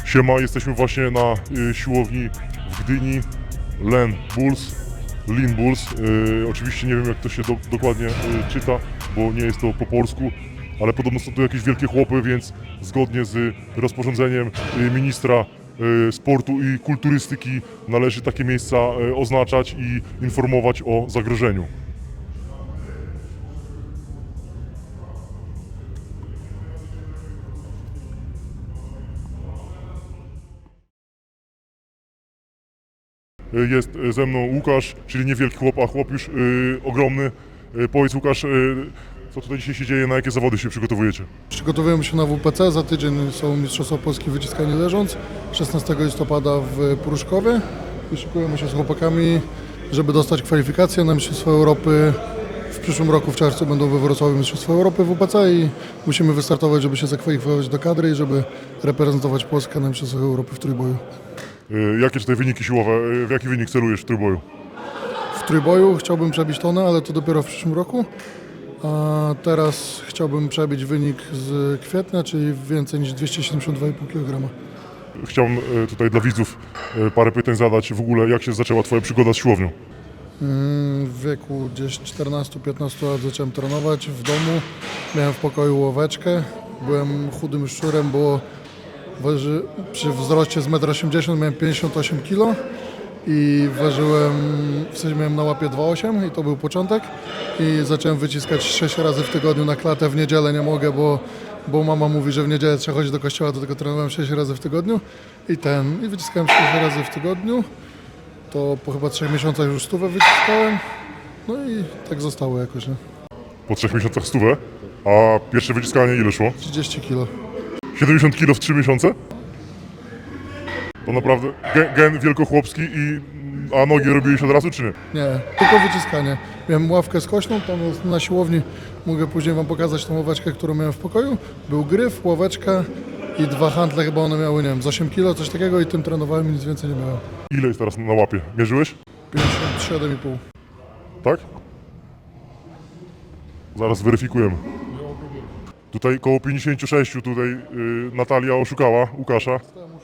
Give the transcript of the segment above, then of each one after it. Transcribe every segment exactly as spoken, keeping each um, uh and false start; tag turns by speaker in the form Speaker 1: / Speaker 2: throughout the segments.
Speaker 1: Siema, jesteśmy właśnie na y, siłowni w Gdyni, Len Bulls, Lean Bulls. Y, oczywiście nie wiem, jak to się do, dokładnie y, czyta, bo nie jest to po polsku, ale podobno są to jakieś wielkie chłopy, więc zgodnie z rozporządzeniem y, ministra y, sportu i kulturystyki należy takie miejsca y, oznaczać i informować o zagrożeniu. Jest ze mną Łukasz, czyli niewielki chłop, a chłop już yy, ogromny. Yy, powiedz Łukasz, yy, co tutaj dzisiaj się dzieje, na jakie zawody się przygotowujecie?
Speaker 2: Przygotowujemy się na W P C, za tydzień są Mistrzostwa Polski Wyciskanie leżąc, szesnastego listopada w Pruszkowie. I szykujemy się z chłopakami, żeby dostać kwalifikacje na Mistrzostwa Europy. W przyszłym roku w czerwcu będą we Wrocławiu Mistrzostwa Europy w W P C i musimy wystartować, żeby się zakwalifikować do kadry i żeby reprezentować Polskę na Mistrzostwach Europy w trójboju.
Speaker 1: Yy, jakie tutaj wyniki siłowe, yy, w jaki wynik celujesz w trójboju?
Speaker 2: W trójboju chciałbym przebić tonę, ale to dopiero w przyszłym roku. A teraz chciałbym przebić wynik z kwietnia, czyli więcej niż dwieście siedemdziesiąt dwa i pół kilograma.
Speaker 1: Chciałbym yy, tutaj dla widzów yy, parę pytań zadać. W ogóle, jak się zaczęła Twoja przygoda z siłownią?
Speaker 2: W wieku gdzieś czternastu piętnastu lat zacząłem trenować w domu. Miałem w pokoju ławeczkę. Byłem chudym szczurem, bo waży, przy wzroście z metr osiemdziesiąt miałem pięćdziesiąt osiem kilo i ważyłem, w sensie miałem na łapie dwa przecinek osiem i to był początek. I zacząłem wyciskać sześć razy w tygodniu na klatę. W niedzielę nie mogę, bo, bo mama mówi, że w niedzielę trzeba chodzić do kościoła, to tylko trenowałem sześć razy w tygodniu. I ten, i wyciskałem sześć razy w tygodniu. To po chyba trzech miesiącach już stówę wyciskałem, no i tak zostało jakoś, nie?
Speaker 1: Po trzech miesiącach stówę, a pierwsze wyciskanie ile szło?
Speaker 2: trzydzieści kilo.
Speaker 1: siedemdziesiąt kilo w trzy miesiące? To naprawdę gen, gen wielkochłopski, i, a nogi robiłeś od razu czy nie?
Speaker 2: Nie, tylko wyciskanie. Miałem ławkę skośną, tam jest na siłowni, mogę później wam pokazać tą ławeczkę, którą miałem w pokoju. Był gryf, ławeczka i dwa handle, chyba one miały, nie wiem, z osiem kilo, coś takiego i tym trenowałem i nic więcej nie miałem.
Speaker 1: Ile jest teraz na łapie? Mierzyłeś?
Speaker 2: pięćdziesiąt siedem i pół.
Speaker 1: Tak? Zaraz weryfikujemy. Tutaj koło pięćdziesiąt sześć, tutaj yy, Natalia oszukała Łukasza.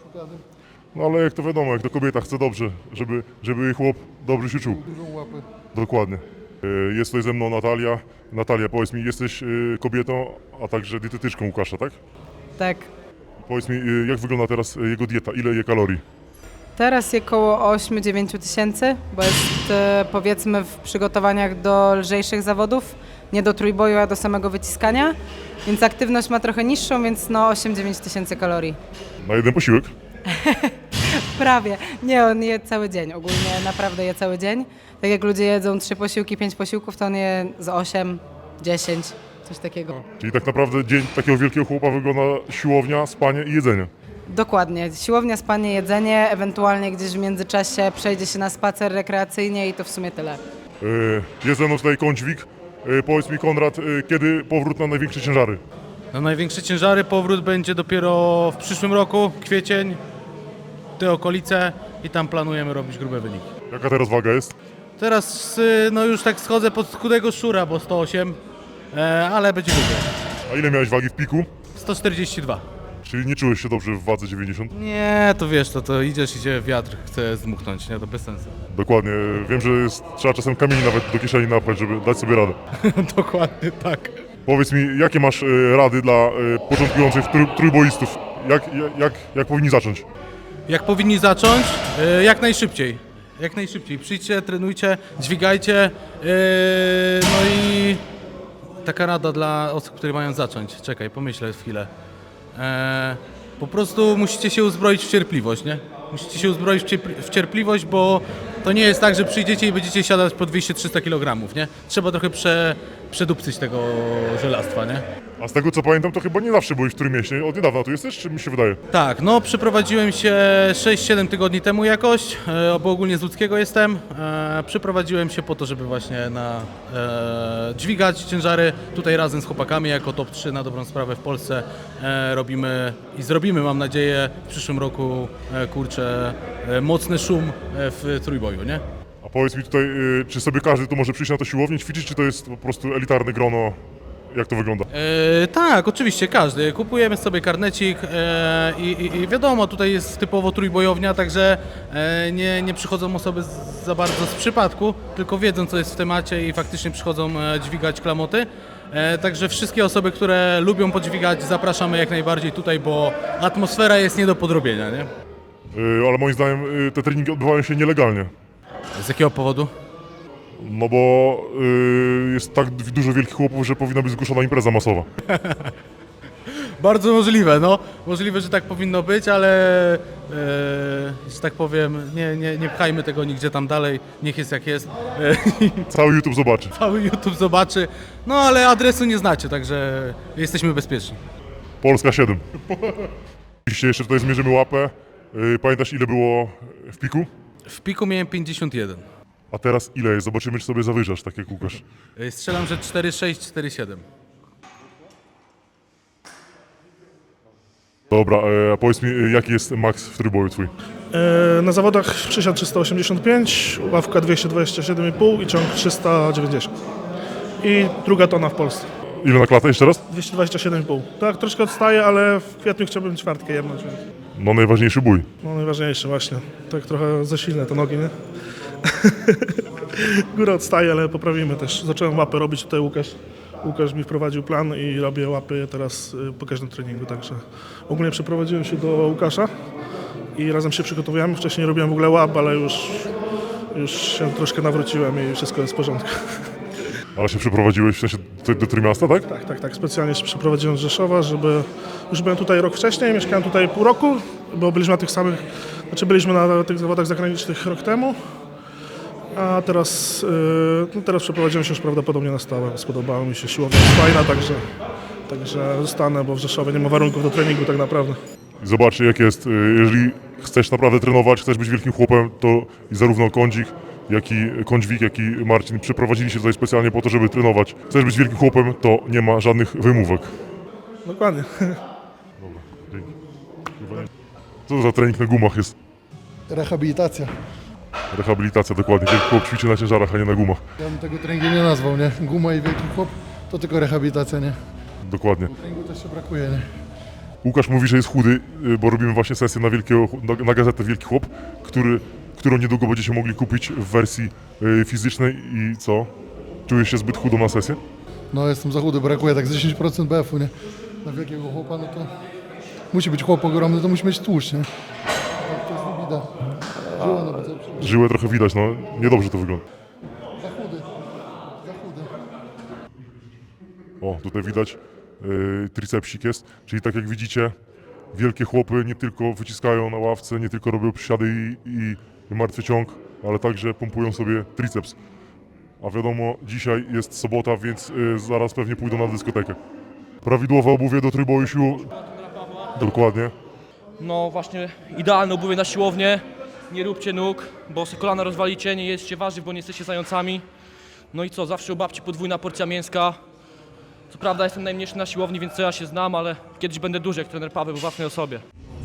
Speaker 1: No ale jak to wiadomo, jak to kobieta chce dobrze, żeby, żeby jej chłop dobrze się czuł.
Speaker 2: Dużą łapę.
Speaker 1: Dokładnie. Yy, jest tutaj ze mną Natalia. Natalia, powiedz mi, jesteś yy, kobietą, a także dietetyczką Łukasza, tak?
Speaker 3: Tak.
Speaker 1: Powiedz mi, yy, jak wygląda teraz jego dieta, ile je kalorii?
Speaker 3: Teraz je koło osiem dziewięć tysięcy, bo jest e, powiedzmy w przygotowaniach do lżejszych zawodów, nie do trójboju, a do samego wyciskania, więc aktywność ma trochę niższą, więc no osiem dziewięć tysięcy kalorii.
Speaker 1: Na jeden posiłek?
Speaker 3: Prawie. Nie, on je cały dzień, ogólnie naprawdę je cały dzień. Tak jak ludzie jedzą trzy posiłki, pięć posiłków, to on je z osiem, dziesięć, coś takiego.
Speaker 1: Czyli tak naprawdę dzień takiego wielkiego chłopa wygląda siłownia, spanie i jedzenie.
Speaker 3: Dokładnie. Siłownia, spanie, jedzenie, ewentualnie gdzieś w międzyczasie przejdzie się na spacer rekreacyjnie i to w sumie tyle.
Speaker 1: Yy, jest ze mną tutaj Kądźwik. Yy, powiedz mi, Konrad, yy, kiedy powrót na największe ciężary?
Speaker 4: Na największe ciężary powrót będzie dopiero w przyszłym roku, kwiecień, te okolice i tam planujemy robić grube wyniki.
Speaker 1: Jaka teraz waga jest?
Speaker 4: Teraz y, no już tak schodzę pod chudego szczura, bo sto osiem, e, ale będzie grube.
Speaker 1: A ile miałeś wagi w piku?
Speaker 4: sto czterdzieści dwa.
Speaker 1: Czyli nie czułeś się dobrze w wadze dziewięćdziesiąt?
Speaker 4: Nie, to wiesz, to, to idziesz, idzie wiatr, chce zdmuchnąć, nie, to bez sensu.
Speaker 1: Dokładnie. Wiem, że jest, trzeba czasem kamieni nawet do kieszeni napchać, żeby dać sobie radę.
Speaker 4: Dokładnie tak.
Speaker 1: Powiedz mi, jakie masz yy, rady dla yy, początkujących trój, trójboistów? Jak, jak, jak, jak powinni zacząć?
Speaker 4: Jak powinni zacząć? E, jak najszybciej. Jak najszybciej. Przyjdźcie, trenujcie, dźwigajcie. E, no i taka rada dla osób, które mają zacząć. Czekaj, pomyślę chwilę. E, po prostu musicie się uzbroić w cierpliwość, nie? Musicie się uzbroić w, cierpli- w cierpliwość, bo to nie jest tak, że przyjdziecie i będziecie siadać po dwieście trzysta kilogramów, nie? Trzeba trochę prze, przedupcyć tego żelastwa, nie?
Speaker 1: A z tego co pamiętam, to chyba nie zawsze byłeś w Trójmieście. Od niedawna tu jesteś, czy mi się wydaje?
Speaker 4: Tak, no przeprowadziłem się sześć siedem tygodni temu jakoś, e, bo ogólnie z Łódzkiego jestem. E, przeprowadziłem się po to, żeby właśnie na, e, dźwigać ciężary. Tutaj razem z chłopakami jako top trzy na dobrą sprawę w Polsce e, robimy i zrobimy, mam nadzieję, w przyszłym roku, e, kurczę, e, mocny szum e, w trójboju, nie?
Speaker 1: A powiedz mi tutaj, yy, czy sobie każdy tu może przyjść na to siłownię, ćwiczyć, czy to jest po prostu elitarne grono Jak to wygląda?
Speaker 4: E, tak, oczywiście, każdy. Kupujemy sobie karnecik e, i, i, i wiadomo, tutaj jest typowo trójbojownia, także e, nie, nie przychodzą osoby z, za bardzo z przypadku, tylko wiedzą, co jest w temacie i faktycznie przychodzą e, dźwigać klamoty. E, także wszystkie osoby, które lubią podźwigać, zapraszamy jak najbardziej tutaj, bo atmosfera jest nie do podrobienia, nie?
Speaker 1: Yy, ale moim zdaniem yy, te treningi odbywają się nielegalnie.
Speaker 4: Z jakiego powodu?
Speaker 1: No bo yy, jest tak dużo wielkich chłopów, że powinna być zgłoszona impreza masowa.
Speaker 4: Bardzo możliwe, no. Możliwe, że tak powinno być, ale e, że tak powiem, nie, nie, nie pchajmy tego nigdzie tam dalej, niech jest jak jest. E,
Speaker 1: Cały YouTube zobaczy.
Speaker 4: cały YouTube zobaczy, no ale adresu nie znacie, także jesteśmy bezpieczni.
Speaker 1: Polska siedem. Oczywiście jeszcze tutaj zmierzymy łapę. Yy, pamiętasz ile było w piku?
Speaker 4: W piku miałem pięćdziesiąt jeden.
Speaker 1: A teraz ile jest? Zobaczymy, czy sobie zawyżasz, tak jak Łukasz.
Speaker 4: E, Strzelam, że cztery sześć, cztery siedem.
Speaker 1: Dobra, yy, a powiedz mi, yy, jaki jest maks w trójboju twój?
Speaker 5: E, Na zawodach przysiad trzysta osiemdziesiąt pięć, ławka dwieście dwadzieścia siedem i pół i ciąg trzysta dziewięćdziesiąt. I druga tona w Polsce.
Speaker 1: Ile na klatę jeszcze raz?
Speaker 5: dwieście dwadzieścia siedem i pół. Tak, troszkę odstaję, ale w kwietniu chciałbym czwartkę jebnąć. Więc.
Speaker 1: No najważniejszy bój.
Speaker 5: No najważniejsze właśnie. Tak trochę za silne te nogi, nie? Góra odstaje, ale poprawimy też. Zacząłem łapy robić tutaj Łukasz. Łukasz mi wprowadził plan i robię łapy teraz y, po każdym treningu, także ogólnie przeprowadziłem się do Łukasza i razem się przygotowujemy. Wcześniej nie robiłem w ogóle łap, ale już, już się troszkę nawróciłem i wszystko jest w porządku.
Speaker 1: Ale się przeprowadziłeś w sensie do, do Trójmiasta, tak?
Speaker 5: Tak, tak, tak. Specjalnie się przeprowadziłem z Rzeszowa, żeby... Już byłem tutaj rok wcześniej, mieszkałem tutaj pół roku, bo byliśmy na tych samych... Znaczy byliśmy na tych zawodach zagranicznych rok temu, a teraz, yy, no teraz przeprowadziłem się już prawdopodobnie na stałe. Spodobało mi się, siłownia jest fajna, także, także zostanę, bo w Rzeszowie nie ma warunków do treningu tak naprawdę.
Speaker 1: I zobacz jak jest, y, jeżeli chcesz naprawdę trenować, chcesz być wielkim chłopem, to i zarówno Kądzik, jak i Kądźwik, jak i Marcin przeprowadzili się tutaj specjalnie po to, żeby trenować. Chcesz być wielkim chłopem, to nie ma żadnych wymówek.
Speaker 5: Dokładnie.
Speaker 1: Dzięki. Co to za trening na gumach jest?
Speaker 2: Rehabilitacja.
Speaker 1: Rehabilitacja, dokładnie. Wielki chłop ćwiczy na ciężarach, a nie na gumach.
Speaker 2: Ja bym tego treningu nie nazwał, nie? Guma i wielki chłop to tylko rehabilitacja, nie?
Speaker 1: Dokładnie.
Speaker 2: Treningu też się brakuje, nie?
Speaker 1: Łukasz mówi, że jest chudy, y, bo robimy właśnie sesję na, wielkiego, na, na gazetę Wielki Chłop, który, którą niedługo będziecie mogli kupić w wersji y, fizycznej i co? Czujesz się zbyt chudą na sesję?
Speaker 2: No jestem za chudy, brakuje tak z dziesięć procent B F-u, nie? Na wielkiego chłopa, no to musi być chłop ogromny, to musi mieć tłuszcz, nie? Tak, to jest wybida. Żyła na bicepsie.
Speaker 1: Żyłę trochę widać, no niedobrze to wygląda.
Speaker 2: Za chudy. Za chudy.
Speaker 1: O, tutaj widać yy, tricepsik jest, czyli tak jak widzicie, wielkie chłopy nie tylko wyciskają na ławce, nie tylko robią przysiady i, i, i martwy ciąg, ale także pompują sobie triceps. A wiadomo, dzisiaj jest sobota, więc yy, zaraz pewnie pójdą na dyskotekę. Prawidłowe obuwie do trójboju sił. Dokładnie.
Speaker 6: No właśnie, idealne obuwie na siłownię. Nie róbcie nóg, bo sobie kolana rozwalicie, nie jedzcie warzyw, bo nie jesteście zającami. No i co, zawsze u babci podwójna porcja mięska. Co prawda jestem najmniejszy na siłowni, więc co ja się znam, ale kiedyś będę duży jak trener Paweł w własnej osobie.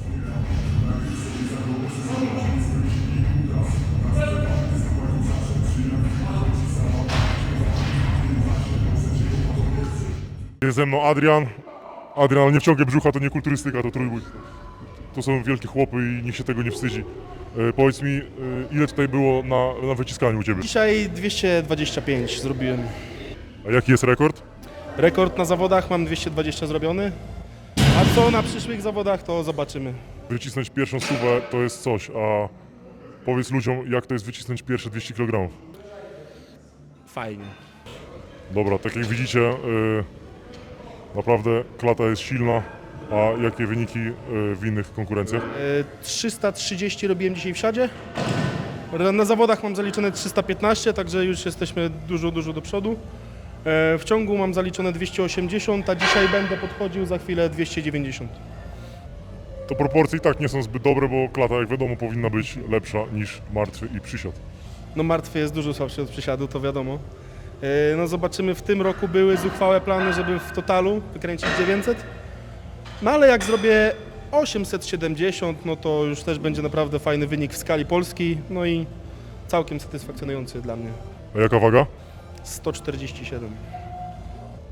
Speaker 1: Jest ze mną Adrian. Adrian, ale nie wciągnie brzucha, to nie kulturystyka, to trójbój. To są wielkie chłopy i nikt się tego nie wstydzi. E, powiedz mi, e, ile tutaj było na, na wyciskaniu u Ciebie?
Speaker 7: Dzisiaj dwieście dwadzieścia pięć zrobiłem.
Speaker 1: A jaki jest rekord?
Speaker 7: Rekord na zawodach mam dwieście dwadzieścia zrobiony. A co na przyszłych zawodach, to zobaczymy.
Speaker 1: Wycisnąć pierwszą stówę to jest coś, a powiedz ludziom, jak to jest wycisnąć pierwsze dwieście kilogramów.
Speaker 7: Fajnie.
Speaker 1: Dobra, tak jak widzicie, e, naprawdę klata jest silna, a jakie wyniki e, w innych konkurencjach?
Speaker 7: E, trzysta trzydzieści robiłem dzisiaj w siadzie. Na zawodach mam zaliczone trzysta piętnaście, także już jesteśmy dużo, dużo do przodu. E, w ciągu mam zaliczone dwieście osiemdziesiąt, a dzisiaj będę podchodził za chwilę dwieście dziewięćdziesiąt.
Speaker 1: To proporcje i tak nie są zbyt dobre, bo klata, jak wiadomo, powinna być lepsza niż martwy i przysiad.
Speaker 7: No martwy jest dużo słabszy od przysiadu, to wiadomo. E, no zobaczymy, w tym roku były zuchwałe plany, żeby w totalu wykręcić dziewięćset. No ale jak zrobię osiemset siedemdziesiąt, no to już też będzie naprawdę fajny wynik w skali Polski, no i całkiem satysfakcjonujący dla mnie.
Speaker 1: A jaka waga?
Speaker 7: sto czterdzieści siedem.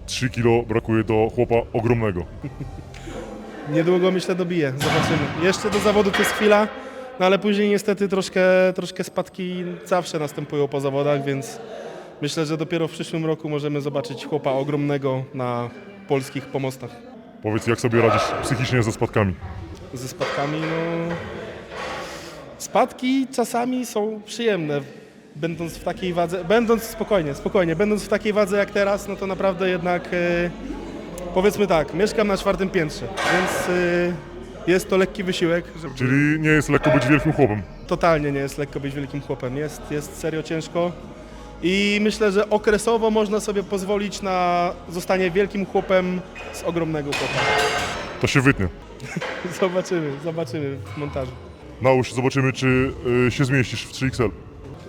Speaker 1: trzy kilo brakuje do chłopa ogromnego.
Speaker 7: Niedługo myślę dobiję, zobaczymy. Jeszcze do zawodu to jest chwila, no ale później niestety troszkę, troszkę spadki zawsze następują po zawodach, więc myślę, że dopiero w przyszłym roku możemy zobaczyć chłopa ogromnego na polskich pomostach.
Speaker 1: Powiedz, jak sobie radzisz psychicznie ze spadkami?
Speaker 7: Ze spadkami, no... Spadki czasami są przyjemne, będąc w takiej wadze, będąc spokojnie, spokojnie, będąc w takiej wadze jak teraz, no to naprawdę jednak, e, powiedzmy tak, mieszkam na czwartym piętrze, więc e, jest to lekki wysiłek. Żeby...
Speaker 1: Czyli nie jest lekko być wielkim chłopem.
Speaker 7: Totalnie nie jest lekko być wielkim chłopem, jest, jest serio ciężko i myślę, że okresowo można sobie pozwolić na zostanie wielkim chłopem z ogromnego chłopa.
Speaker 1: To się wytnie.
Speaker 7: Zobaczymy, zobaczymy w montażu.
Speaker 1: Nałóż, zobaczymy, czy y, się zmieścisz w trzy X L.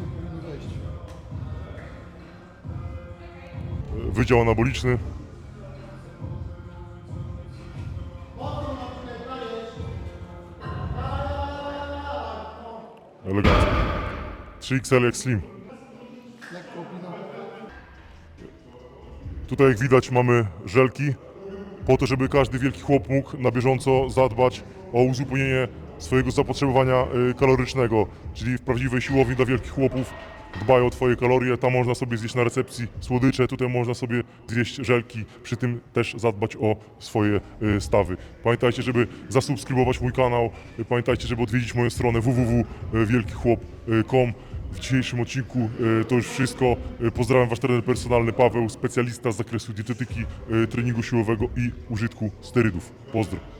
Speaker 1: Wydział anaboliczny. Elegancko. trzy X L jak slim. Tutaj jak widać mamy żelki, po to, żeby każdy wielki chłop mógł na bieżąco zadbać o uzupełnienie swojego zapotrzebowania y, kalorycznego, czyli w prawdziwej siłowni dla wielkich chłopów dbają o twoje kalorie, tam można sobie zjeść na recepcji słodycze, tutaj można sobie zjeść żelki, przy tym też zadbać o swoje y, stawy. Pamiętajcie, żeby zasubskrybować mój kanał, y, pamiętajcie, żeby odwiedzić moją stronę w w w kropka wielki chłop kropka com. W dzisiejszym odcinku y, to już wszystko. Y, Pozdrawiam wasz trener personalny Paweł, specjalista z zakresu dietetyki, y, treningu siłowego i użytku sterydów. Pozdro.